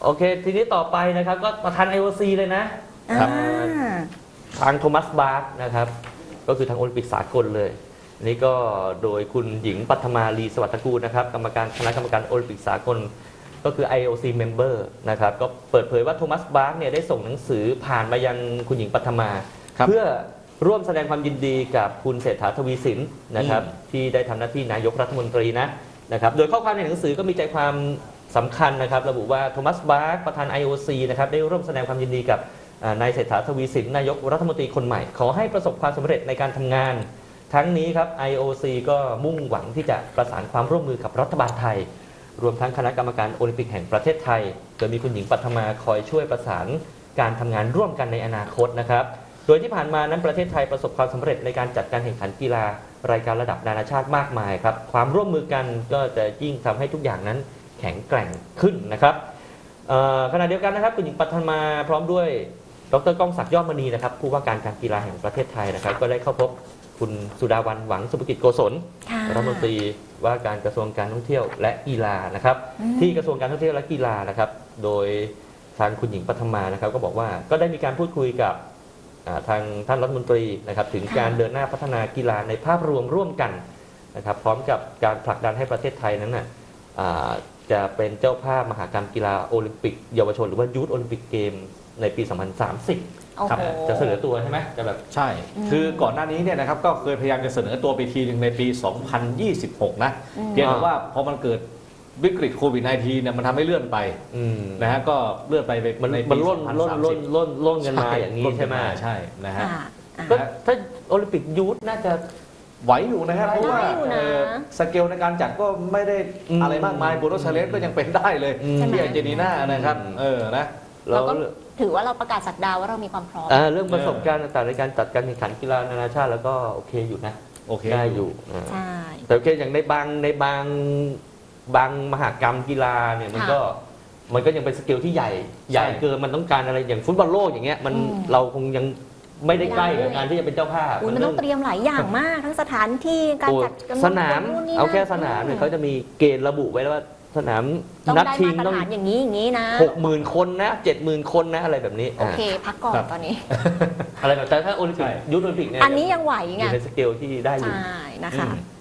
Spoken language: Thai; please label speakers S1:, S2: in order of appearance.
S1: โอเคทีนี้ต่อไปนะครับก็ประธาน IOC เลยนะทางโทมัสบาร์กนะครับก็คือทางโอลิมปิกสากลเลยนี่ก็โดยคุณหญิงปัทมาลีสวัสดิ์ตระกูลนะครับคณะกรรมการโอลิมปิกสากลก็คือ IOC member นะครับก็เปิดเผยว่าโทมัสบาร์กเนี่ยได้ส่งหนังสือผ่านมายังคุณหญิงปัทมาเพื่อร่วมแสดงความยินดีกับคุณเศรษฐาทวีสินนะครับที่ได้ทำหน้าที่นายกรัฐมนตรีนะครับโดยข้อความในหนังสือก็มีใจความสำคัญนะครับระบุว่าโทมัสบาร์กประธาน IOC นะครับได้ร่วมแสดงความยินดีกับนายเศรษฐาทวีสินนายกรัฐมนตรีคนใหม่ขอให้ประสบความสำเร็จในการทำงานทั้งนี้ครับ IOC ก็มุ่งหวังที่จะประสานความร่วมมือกับรัฐบาลไทยรวมทั้งคณะกรรมการโอลิมปิกแห่งประเทศไทยโดยมีคุณหญิงปัทมาคอยช่วยประสานการทำงานร่วมกันในอนาคตนะครับโดยที่ผ่านมานั้นประเทศไทยประสบความสำเร็จในการจัดการแข่งขันกีฬารายการระดับนานาชาติมากมายครับความร่วมมือกันก็จะยิ่งทำให้ทุกอย่างนั้นแข็งแกร่งขึ้นนะครับขณะเดียวกันนะครับคุณหญิงปัทมาพร้อมด้วยดร.ก้องศักดิ์ยอดมณีนะครับผู้ว่าการกีฬาแห่งประเทศไทยนะครับก็ได้เข้าพบคุณสุดาวันหวังสุภกิจโกศลรัฐมนตรีว่าการกระทรวงการท่องเที่ยวและกีฬานะครับที่กระทรวงการท่องเที่ยวและกีฬานะครับโดยทางคุณหญิงปัทมานะครับก็บอกว่าก็ได้มีการพูดคุยกับทางท่านรัฐมนตรีนะครับถึงการเดินหน้าพัฒนากีฬาในภาพรวมร่วมกันนะครับพร้อมกับการผลักดันให้ประเทศไทยนั้นจะเป็นเจ้าภาพมหกรรมกีฬาโอลิมปิกเยาวชนหรือว่ายูทโอลิมปิกเกมในปี 2030 ครับจะเสนอตัวใช่ไหมจะแบบ
S2: ใช่คือก่อนหน้านี้เนี่ยนะครับก็เคยพยายามจะเสนอตัวไปทีหนึ่งในปี 2026 นะเพียงแต่ว่าพอมันเกิดวิกฤตโควิด -19 เนี่ยมันทำให้เลื่อนไปนะฮะก็เลื่อนไปในปี
S1: ล่นกันมาอย่างนี้ใช่ไหม
S2: ใช่นะฮะ
S1: ถ้าโอลิมปิกยูทน่าจะ
S2: ไหวอยู่นะครับเพราะว่าสเกลในการจัดก็ไม่ได้อะไรมากมายโบโนชาเลนก็ยังเป็นได้เลยที่อาร์เจนตินานะครับนะ
S3: เราก็ถือว่าเราประกาศสักดาว่าเรามีความพร้อม
S1: เรื่องประสบการณ์ต่างๆในการจัดการแข่งขันกีฬานานาชาติแล้วก็โอเคอยู่นะ
S2: โอเค
S1: ได้อยู่
S3: ใช่
S1: แต่โอเคอย่างในบางมหกรรมกีฬาเนี่ยมันก็ยังเป็นสเกลที่ใหญ่เกินมันต้องการอะไรอย่างฟุตบอลโลกอย่างเงี้ยมันเราคงยังไม่ได้ใกล้กับการที่จะเป็นเจ้าภาพ
S3: มันต้องเตรียมหลายอย่างมากทั้งสถานที่การจัด
S1: สนามเอาแค่สนามเนี่ยเขาจะมีเกณฑ์ระบุไว้แล้วว่าสนามนัดชิง
S3: ต้องอย่างนี้นะ
S1: 60,000 คนนะ 70,000 คนนะอะไรแบบนี้
S3: โอเคพักก่อนตอนนี้
S1: อะไรแบบแต่ถ้าโอลิมปิกยูทโอลิมปิกเนี่ย
S3: อันนี้ยังไหวไง
S1: อยู่ในสเกลที่ได้อยู่
S3: ใช่นะคะ